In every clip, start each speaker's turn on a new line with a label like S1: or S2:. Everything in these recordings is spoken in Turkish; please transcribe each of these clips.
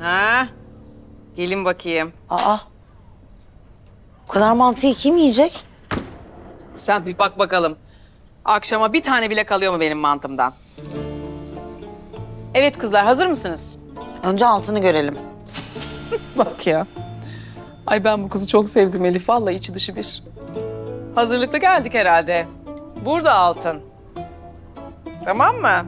S1: Ha? Gelin bakayım.
S2: Aa. Bu kadar mantıyı kim yiyecek?
S1: Sen bir bak bakalım. Akşama bir tane bile kalıyor mu benim mantımdan? Evet kızlar, hazır mısınız?
S2: Önce altını görelim.
S1: Bak ya. Ay ben bu kızı çok sevdim Elif. Vallahi içi dışı bir. Hazırlıklı geldik herhalde. Burada altın. Tamam mı?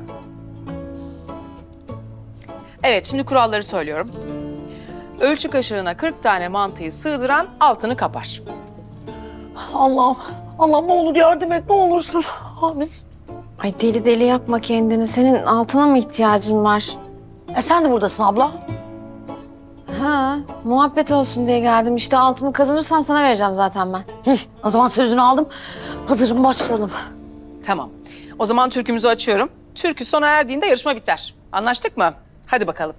S1: Evet, şimdi kuralları söylüyorum. Ölçü kaşığına 40 tane mantıyı sığdıran altını kapar.
S2: Allah'ım. Allah'ım ne olur yardım et ne olursun. Amin.
S3: Ay deli deli yapma kendini. Senin altına mı ihtiyacın var?
S2: Sen de buradasın abla.
S3: Ha, muhabbet olsun diye geldim. İşte altını kazanırsam sana vereceğim zaten ben.
S2: O zaman sözünü aldım. Hazırım başlayalım.
S1: Tamam. O zaman türkümüzü açıyorum. Türkü sona erdiğinde yarışma biter. Anlaştık mı? Hadi bakalım.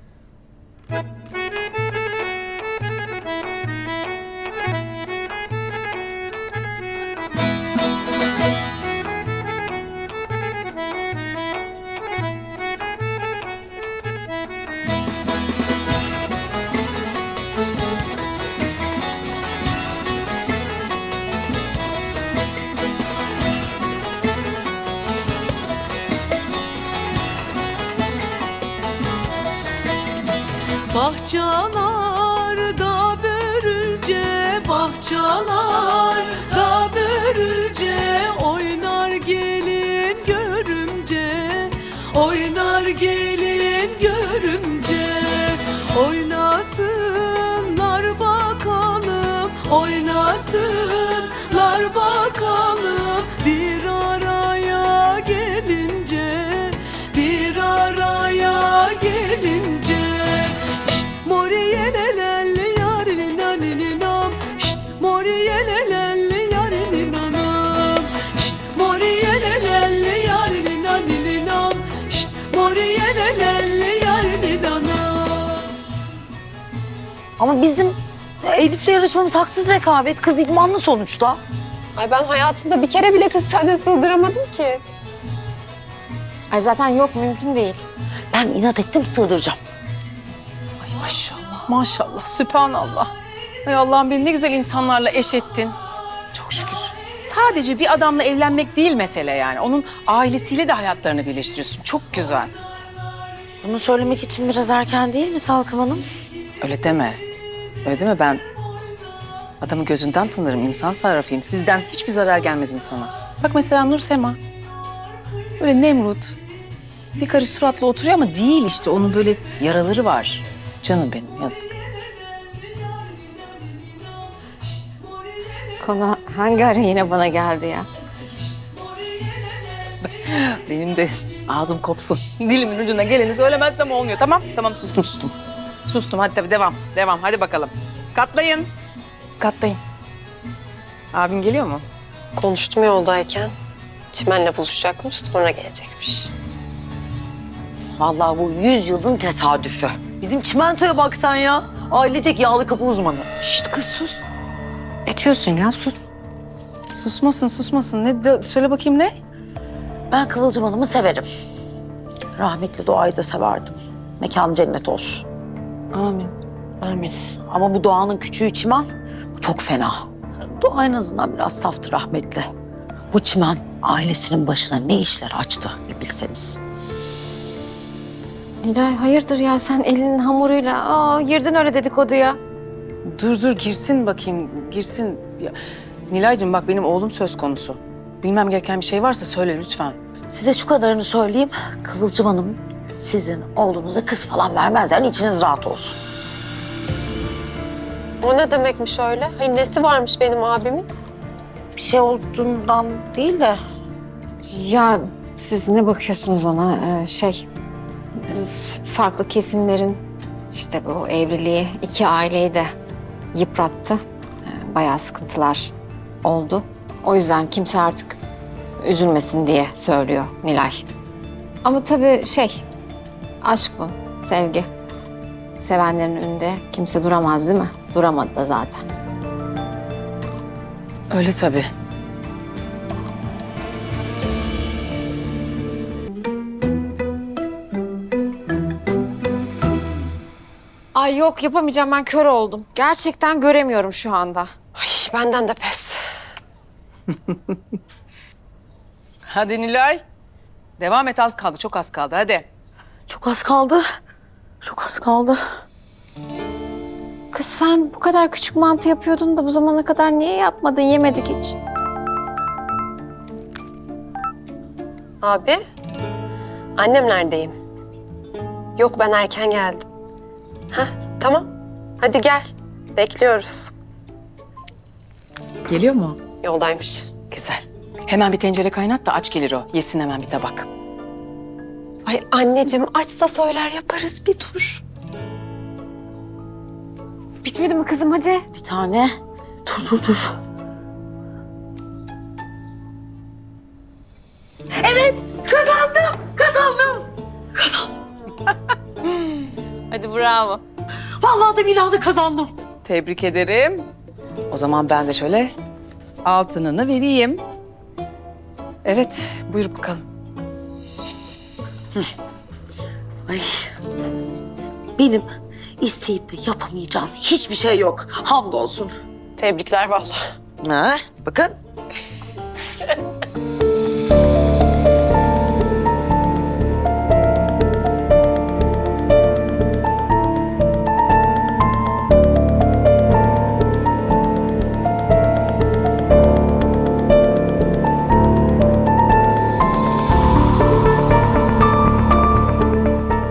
S4: Bahçalarda börülce, bahçalarda börülce oynar gelin görümce, oynar gelin görümce. Oynasınlar bakalım, oynasınlar bakalım bir araya gelince, bir araya gelince. Moriyelelelli yarinin anininam, şşt moriyelelelli yarinin anam, şşt moriyelelelli yarinin anininam, şşt moriyelelelli yarinin anam.
S2: Ama bizim Elif'le yarışmamız haksız rekabet. Kız idmanlı sonuçta.
S5: Ay ben hayatımda bir kere bile 40 tane sığdıramadım ki.
S3: Ay zaten yok, mümkün değil.
S2: Ben inat ettim sığdıracağım.
S1: Ay maşallah, maşallah, sübhanallah. Ay Allah'ım beni ne güzel insanlarla eş ettin. Çok şükür. Sadece bir adamla evlenmek değil mesele yani. Onun ailesiyle de hayatlarını birleştiriyorsun. Çok güzel.
S2: Bunu söylemek için biraz erken değil mi Salkım Hanım?
S1: Öyle deme. Öyle deme, ben adamı gözünden tanırım, insan sarrafıyım. Sizden hiçbir zarar gelmez insana. Bak mesela Nur Sema. Böyle Nemrut. Bir karış suratla oturuyor ama değil işte. Onun böyle yaraları var. Canım benim, yazık.
S3: Konu hangi ara yine bana geldi ya?
S1: Benim de ağzım kopsun. Dilimin ucuna geleni söylemezsem olmuyor. Tamam, tamam sustum, sustum. Sustum, hadi tabii devam, devam. Hadi bakalım. Katlayın. Katlayın. Abin geliyor mu?
S5: Konuştum yoldayken. Çimen'le buluşacakmış, sonra gelecekmiş.
S2: Vallahi bu 100 yılın tesadüfü. Bizim çimentoya baksan ya. Ailecek yağlı kapı uzmanı.
S3: Şşt kız sus. Ne diyorsun ya, sus.
S1: Susmasın, susmasın. Söyle bakayım ne?
S2: Ben Kıvılcım Hanım'ı severim. Rahmetli Doğa'yı da severdim. Mekanı cennet olsun.
S1: Amin.
S5: Amin.
S2: Ama bu Doğan'ın küçüğü Çimen çok fena. Doğa en azından biraz saftı rahmetli. Bu Çimen ailesinin başına ne işler açtı bir bilseniz.
S3: Nilay hayırdır ya, sen elinin hamuruyla girdin öyle dedikoduya.
S1: Dur girsin bakayım, girsin. Ya, Nilay'cığım bak benim oğlum söz konusu. Bilmem gereken bir şey varsa söyle lütfen.
S2: Size şu kadarını söyleyeyim. Kıvılcım Hanım sizin oğlunuza kız falan vermez. Yani içiniz rahat olsun.
S5: O ne demekmiş öyle? Hayır nesi varmış benim abimin?
S2: Bir şey olduğundan değil de
S3: Ya siz ne bakıyorsunuz ona? Biz farklı kesimlerin işte bu evliliği iki aileyi de yıprattı. Bayağı sıkıntılar oldu. O yüzden kimse artık üzülmesin diye söylüyor Nilay. Ama tabii aşk bu, sevgi. Sevenlerin önünde kimse duramaz değil mi? Duramadı da zaten.
S1: Öyle tabii.
S3: Ay yok yapamayacağım, ben kör oldum. Gerçekten göremiyorum şu anda.
S5: Ay benden de pes.
S1: Hadi Nilay. Devam et, az kaldı, çok az kaldı, hadi.
S2: Çok az kaldı. Çok az kaldı.
S3: Kız sen bu kadar küçük mantı yapıyordun da bu zamana kadar niye yapmadın? Yemedik hiç.
S5: Abi, annemlerdeyim. Yok ben erken geldim. Hah, tamam. Hadi gel. Bekliyoruz.
S1: Geliyor mu?
S5: Yoldaymış.
S1: Güzel. Hemen bir tencere kaynat da aç gelir o. Yesin hemen bir tabak.
S5: Ay anneciğim açsa söyler yaparız, bir dur.
S3: Bitmedi mi kızım, hadi.
S2: Bir tane. Dur.
S3: Hadi bravo.
S2: Vallahi da billahi de kazandım.
S1: Tebrik ederim. O zaman ben de şöyle altınını vereyim. Evet, buyur bakalım.
S2: Ay. Benim isteyip de yapamayacağım hiçbir şey yok. Hamdolsun.
S5: Tebrikler vallahi.
S2: Ha, bakın.